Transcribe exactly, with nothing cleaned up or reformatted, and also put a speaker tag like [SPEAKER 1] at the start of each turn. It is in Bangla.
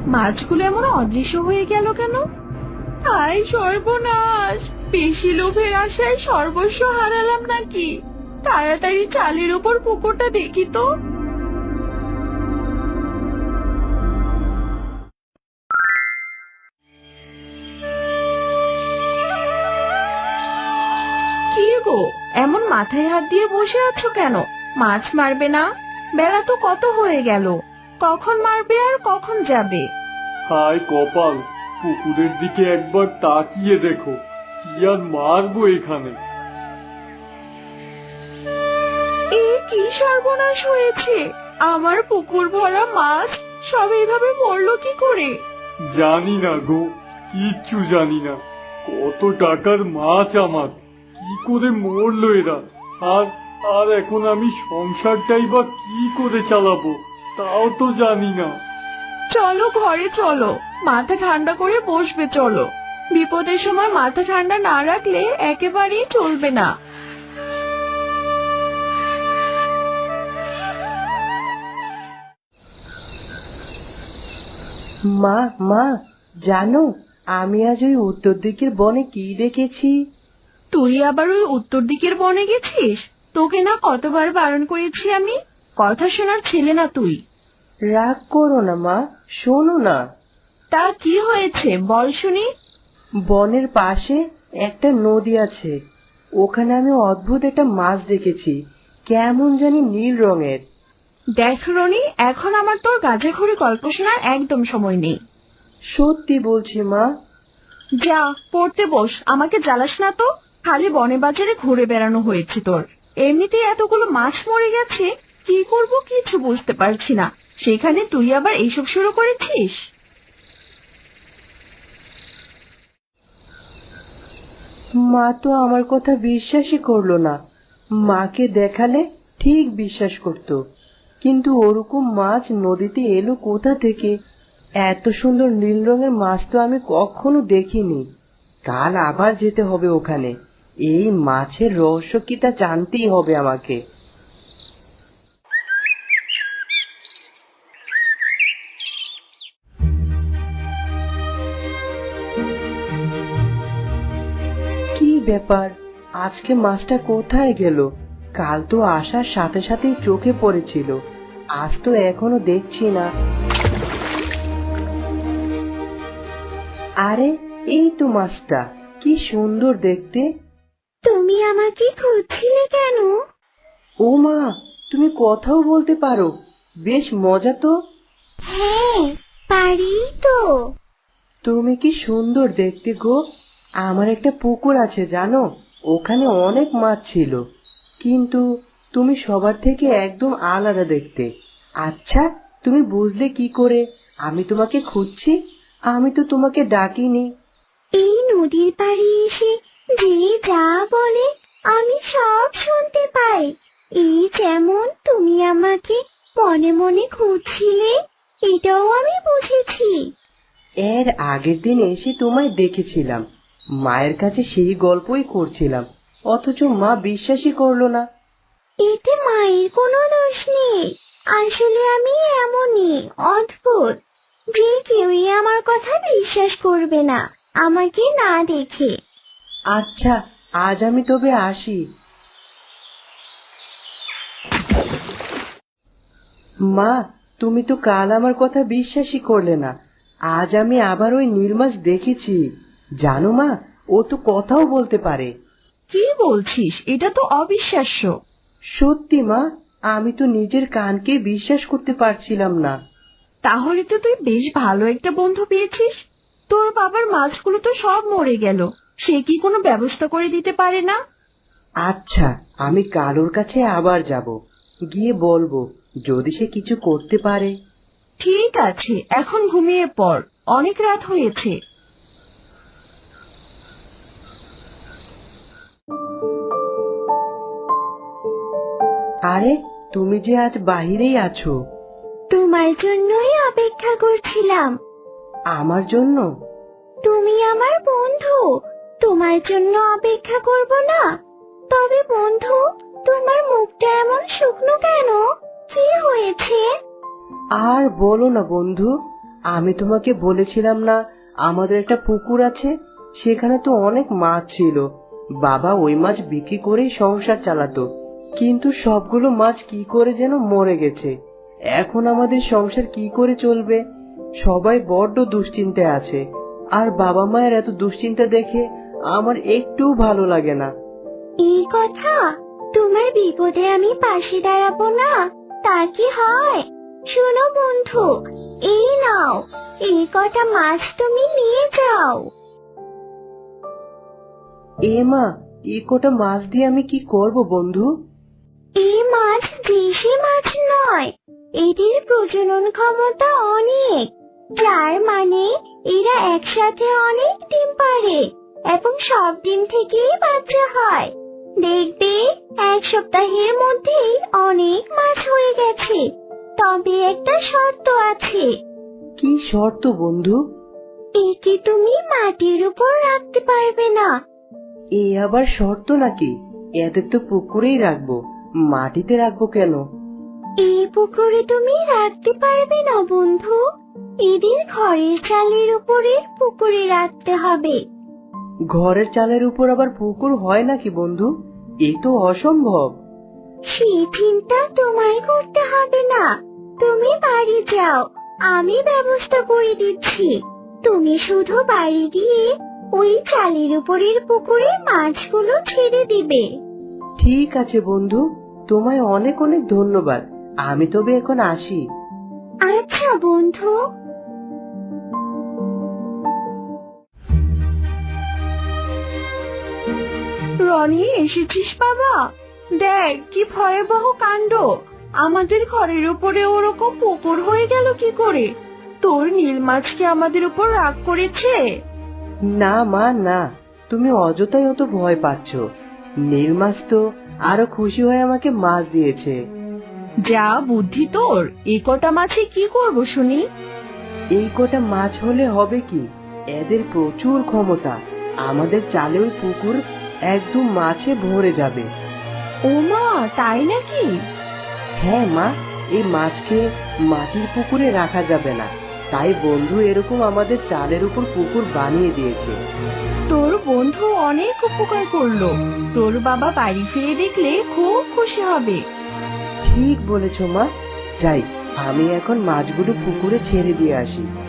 [SPEAKER 1] মাছগুলো এমন অদৃশ্য হয়ে গেল কেন? আয় সর্বনাশ, বেশি লোভের আশায় সর্বস্ব হারালাম নাকি? তাড়াতাড়ি চালের উপর পুকুরটা দেখি তো। কি গো, এমন মাথায় হাত দিয়ে বসে আছো কেন? মাছ মারবে না? বেলা তো কত হয়ে গেল, কখন মারবে আর কখন যাবে?
[SPEAKER 2] হায় কপাল, পুকুরের দিকে একবার তাকিয়ে দেখো, কি আর মারবো এখানে।
[SPEAKER 1] এ কি সর্বনাশ হয়েছে! আমার পুকুর ভরা মাছ সব এইভাবে মরলো কি করে?
[SPEAKER 2] জানি না গো, কিচ্ছু জানি না। কত টাকার মাছ আমার, কি করে মরলো এরা? আর আর এখন আমি সংসারটাই বা কি করে চালাবো তাও তো জানি না।
[SPEAKER 1] চলো ঘরে চলো, মাথা ঠান্ডা করে বসবে চলো। বিপদের সময় মাথা ঠান্ডা না রাখলে একেবারেই চলবে না।
[SPEAKER 3] মা মা জানো, আমি আজ ওই উত্তর দিকের বনে কি দেখেছি?
[SPEAKER 1] তুই আবার ওই উত্তর দিকের বনে গেছিস? তোকে না কতবার বারণ করেছি আমি, কথা শোনার ছেলে না তুই।
[SPEAKER 3] রাগ করো না মা, শোনো না।
[SPEAKER 1] তা কি হয়েছে বল শুনি।
[SPEAKER 3] বনের পাশে একটা নদী আছে, ওখানে আমি অদ্ভুত একটা মাছ দেখেছি, কেমন জানি নীল রঙের।
[SPEAKER 1] দেখ রনি, এখন আমার তোর গাঁজাখড়ি গল্প শোনার একদম সময় নেই।
[SPEAKER 3] সত্যি বলছি মা।
[SPEAKER 1] যা পড়তে বস, আমাকে জ্বালাস না তো। খালি বনে বাজারে ঘুরে বেড়ানো হয়েছে তোর। এমনিতেই এতগুলো মাছ মরে গেছে, কি করব কিছু বুঝতে পারছি না, সেখানে তুই আবার এইসব শুরু করেছিস।
[SPEAKER 3] মা তো আমার কথা বিশ্বাসই করলো না। মাকে দেখালে ঠিক বিশ্বাস করতো, কিন্তু ওরকম মাছ নদীতে এলো কোথা থেকে? এত সুন্দর নীল রঙের মাছ তো আমি কখনো দেখিনি। কাল আবার যেতে হবে ওখানে, এই মাছের রহস্য কি তা জানতেই হবে আমাকে। কি ব্যাপার, আজকে মাছটা কোথায় গেল? কাল তো আসার সাথে সাথেই চোখে পড়েছিল, আজ তো এখনো দেখছি না। আরে এই তো মাছটা, কি সুন্দর দেখতে।
[SPEAKER 1] তুমি আমাকে খুঁজছিলে কেন?
[SPEAKER 3] ও মা, তুমি কথাও বলতে পারো, বেশ মজা তো।
[SPEAKER 1] হ্যাঁ, পারি তো।
[SPEAKER 3] তুমি কি সুন্দর দেখতে গো। আমার একটা পুকুর আছে জানো, ওখানে অনেক মাছ ছিল, কিন্তু তুমি সবার থেকে একদম আলাদা দেখতে। আচ্ছা, তুমি বুঝলে কি করে আমি তোমাকে খুঁজছি? আমি তো তোমাকে ডাকিনি।
[SPEAKER 1] এই নদীর পাড়ে এসে যে যা বলে আমি সব শুনতে পাই। এই যেমন তুমি আমাকে মনে মনে খুঁজছিলে, এটাও আমি বুঝেছি।
[SPEAKER 3] এর আগের দিন এসে তোমায় দেখেছিলাম, মায়ের কাছে সেই গল্পই করছিলাম, অথচ মা বিশ্বাসই করলো না।
[SPEAKER 1] এতে মায়ের কোনো দোষ নেই, আসলে আমি এমনই অদ্ভুত যে কেউই আমার কথা বিশ্বাস করবে না আমাকে না দেখে।
[SPEAKER 3] আচ্ছা, আজ আমি তবে আসি। মা, তুমি তো কাল আমার কথা বিশ্বাসই করলে না, আজ আমি আবার ওই নীল মাছ দেখেছি। জানো মা, ও তো কথাও বলতে পারে।
[SPEAKER 1] কি বলছিস? এটা তো অবিশ্বাস্য।
[SPEAKER 3] সত্যি মা, আমি তো নিজের কানকে বিশ্বাস করতে পারছিলাম না।
[SPEAKER 1] তাহলে তো তুই বেশ ভালো একটা বন্ধু পেয়েছিস। তোর বাবার মাছগুলো তো সব মরে গেল, সে কি কোনো ব্যবস্থা করে দিতে পারে না?
[SPEAKER 3] আচ্ছা, আমি কালোর কাছে আবার যাব, গিয়ে বলবো যদি সে কিছু করতে পারে।
[SPEAKER 1] ঠিক আছে, এখন ঘুমিয়ে পড়, অনেক রাত হয়েছে।
[SPEAKER 3] আরে, তুমি যে আজ বাহিরেই আছো?
[SPEAKER 1] তোমার জন্যই অপেক্ষা করছিলাম।
[SPEAKER 3] আমার জন্য?
[SPEAKER 1] তুমি আমার বন্ধু, তোমার জন্য অপেক্ষা করব না? তবে বন্ধু, তোমার মুখটা এমন শুকনো কেন? কি হয়েছে?
[SPEAKER 3] আর বলো না বন্ধু, আমি তোমাকে বলেছিলাম না আমাদের একটা পুকুর আছে, সেখানে তো অনেক মাছ ছিল। বাবা ওই মাছ বিক্রি করেই সংসার চালাতো, কিন্তু সবগুলো মাছ কি করে যেন মরে গেছে। এখন আমাদের সংসার কি করে চলবে? সবাই বড্ড দুশ্চিন্তায় আছে, আর বাবা মায়ের এত দুশ্চিন্তা দেখে আমার একটুও ভালো লাগে না।
[SPEAKER 1] এই কথা, তোমার বিপদে আমি পাশে দাঁড়াবো না তা কি হয়? শোনো বন্ধু, এই নাও, এই কটা মাছ তুমি নিয়ে যাও।
[SPEAKER 3] এ মা, এই কটা মাছ দিয়ে আমি কি করব বন্ধু?
[SPEAKER 1] এই মাছ দেশি মাছ নয়, এদের প্রজনন ক্ষমতা অনেক, যার মানে এরা একসাথে অনেক ডিম পাড়ে এবং সব ডিম থেকেই বাচ্চা হয়। দেখবে এক সপ্তাহের মধ্যেই অনেক মাছ হয়ে গেছে। তবে একটা শর্ত আছে।
[SPEAKER 3] কি শর্ত বন্ধু?
[SPEAKER 1] একে তুমি মাটির উপর রাখতে পারবে না।
[SPEAKER 3] এ আবার শর্ত নাকি? এদের তো পুকুরেই রাখবো, মাটিতে রাখবো কেন?
[SPEAKER 1] এই পুকুরে তুমি রাখতে পারবে না বন্ধু, এদের ঘরের চালের উপরে পুকুরে রাখতে হবে।
[SPEAKER 3] ঘরের চালের উপর আবার পুকুর হয় নাকি বন্ধু? এ তো অসম্ভব।
[SPEAKER 1] সেই চিন্তা তোমায় করতে হবে না, তুমি বাড়ি যাও, আমি ব্যবস্থা করে দিচ্ছি। তুমি শুধু বাড়ি গিয়ে ওই চালের উপরের পুকুরে মাছগুলো ছেড়ে দিবে।
[SPEAKER 3] ঠিক আছে বন্ধু, তোমায় অনেক অনেক ধন্যবাদ। আমি তবে এখন আসি।
[SPEAKER 1] আচ্ছা বন্ধু। রনি, এসেছিস বাবা? দেখ কি ভয়াবহ কাণ্ড, আমাদের ঘরের উপরে ওরকম পুকুর হয়ে গেল কি করে? তোর নীল মাছ কি আমাদের উপর রাগ করেছে?
[SPEAKER 3] না মা, না, তুমি অযথাই অত ভয় পাচ্ছ। নীল মাছ তো আরো খুশি হয়ে আমাকে মাছ দিয়েছে।
[SPEAKER 1] যা বুদ্ধি তোর, এই কটা মাছে কি করব শুনি?
[SPEAKER 3] এই কটা মাছ হলে হবে কি, এদের প্রচুর ক্ষমতা। আমাদের চালে ওই পুকুর একদম মাছে ভরে যাবে।
[SPEAKER 1] ও মা, তাই নাকি?
[SPEAKER 3] হ্যাঁ মা, এই মাছকে মাটির পুকুরে রাখা যাবে না, তাই বন্ধু এরকম আমাদের চালের উপর পুকুর বানিয়ে দিয়েছে।
[SPEAKER 1] তোর বন্ধু অনেক উপকার করলো, তোর বাবা বাড়ি ফিরে দেখলে খুব খুশি হবে।
[SPEAKER 3] ঠিক বলেছ মা, যাই, আমি এখন মাছগুলো পুকুরে ছেড়ে দিয়ে আসি।